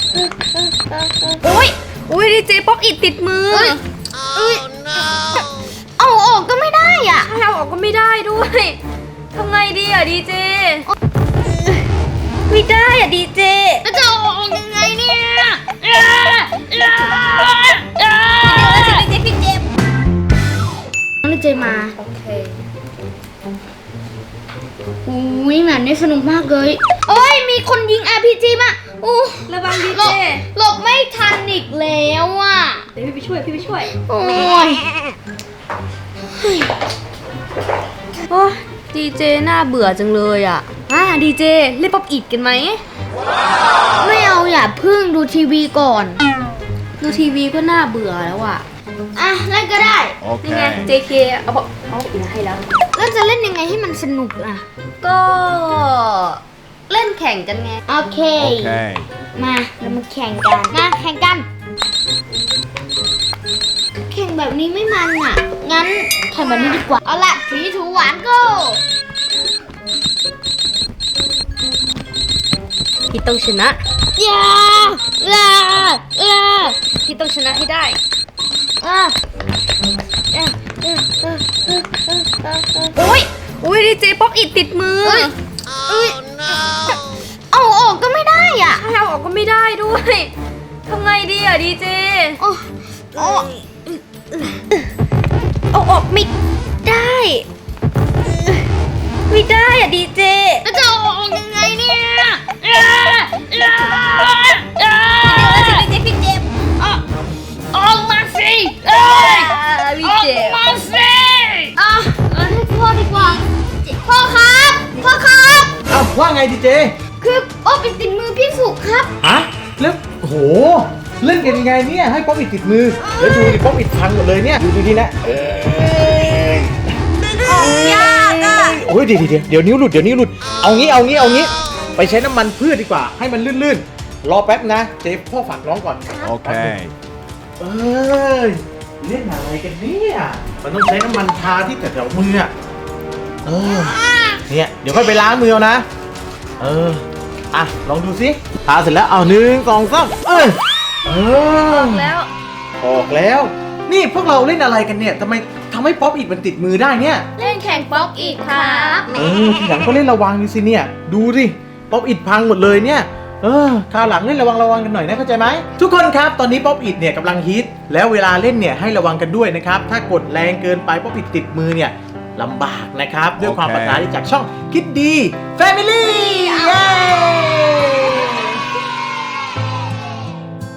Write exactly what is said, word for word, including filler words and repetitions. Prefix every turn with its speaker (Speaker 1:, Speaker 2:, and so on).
Speaker 1: โอ้ยโอ้ยดีเจป๊อปอิดติดมือเอาออกก็ไม่ได้อ่ะเอาออกก็ไม่ได้ด้วยทำไงดีอ่ะดีเจไม่ได้อ่ะดีเจแล้วจะเอาออกยังไงเนี่ยเดี๋ยวดีเจพี่เจ็บน้องดีเจมาโอเคอุ้ยหมันนี่สนุกมากเลยโอ้ยมีคนยิง อาร์ พี จี มาอู้ระวังดีเจหลบไม่ทันอีกแล้วอ่ะเดี๋ยวพี่ไปช่วยพี่ไปช่วยโอ้ยโอ้ดีเจน่าเบื่อจังเลยอ่ะอ่ะดีเจเล่นป๊อปอิดกันไหมไม่เอาอย่าพึ่งดูทีวีก่อนดูทีวีก็น่าเบื่อแล้วอ่ะอ่ะเล่นก็ได้นี่ไง เจ เค เอาบอกเอาอีกให้แล้วแล้วจะเล่นยังไงให้มันสนุกอ่ะก็เล่นแข่งกันไงโอเคมาเรามาแข่งกันมาแข่งกันแข่งแบบนี้ไม่มันอ่ะงั้นแข่งแบบนี้ดีกว่าเอาละสีถูหวานก็พี่ต้องชนะอย่าอย่าอย่าพี่ต้องชนะให้ได้อ่ะโอ้ยโอ้ยดีเจป๊อปอิดติดมือเอาออกก็ไม่ได้อ่ะเอาออกก็ไม่ได้ด้วยทำไงดีอ่ะดีเจเอาเอาออกไม่ได้ไม่ได้อ่ะดีเจแล้วจะเอาออกยังไงเนี่ยเดี๋ยวดีเจพี่เจ็บออกมาสิเอ้ยออกมาสิอ่ะให้พ่อดีกว่าพ่อครับพ่อครับ
Speaker 2: อ้าวว่าไงดีเจ
Speaker 1: คือโอ้เป็นติดมือพี่สุครับ
Speaker 2: ฮะแล้วโหเล่นกันยังไงเนี่ยให้ป๊อปอิดติดมือแล้วดูดิป๊อปอิดพังหมดเลยเนี่ยดูดูดีนะเอ้ย
Speaker 1: ออกยากอ่ะ
Speaker 2: โอ้ยเดี๋ยวเดี๋ยวเดี๋ยวนิ้วหลุดเดี๋ยวนิ้วหลุดเอางี้เอางี้เอางี้ไปใช้น้ำมันพืชดีกว่าให้มันลื่นๆรอแป๊บนะเจพ่อฝากน้องก่อน
Speaker 3: โอเค
Speaker 2: เอ้ยเล่นอะไรกันเนี่ยมันต้องใช้น้ำมันทาที่แถวๆมืออ่ะเออเนี่ยเดี๋ยวค่อยไปล้างมือเอานะเอออ่ะลองดูสิทาเสร็จแล้วเอาหนึ่งสองสามเออเออ
Speaker 1: ออกแล้ว
Speaker 2: ออกแล้วนี่พวกเราเล่นอะไรกันเนี่ยทำไมทำให้ป๊อปอิดมันติดมือได้เนี่ย
Speaker 1: เล่นแข่งป๊อปอิดครับ
Speaker 2: เออทีหลังก็เล่นระวังดูสิเนี่ยดูสิป๊อปอิดพังหมดเลยเนี่ยเออคราวหลังเล่นระวังระวังกันหน่อยนะเข้าใจไหมทุกคนครับตอนนี้ป๊อปอิดเนี่ยกำลังฮิตแล้วเวลาเล่นเนี่ยให้ระวังกันด้วยนะครับถ้ากดแรงเกินไปป๊อปอิดติดมือเนี่ยลำบากนะครับด้วยความปรารถนาจากช่องคิดดี Family เย้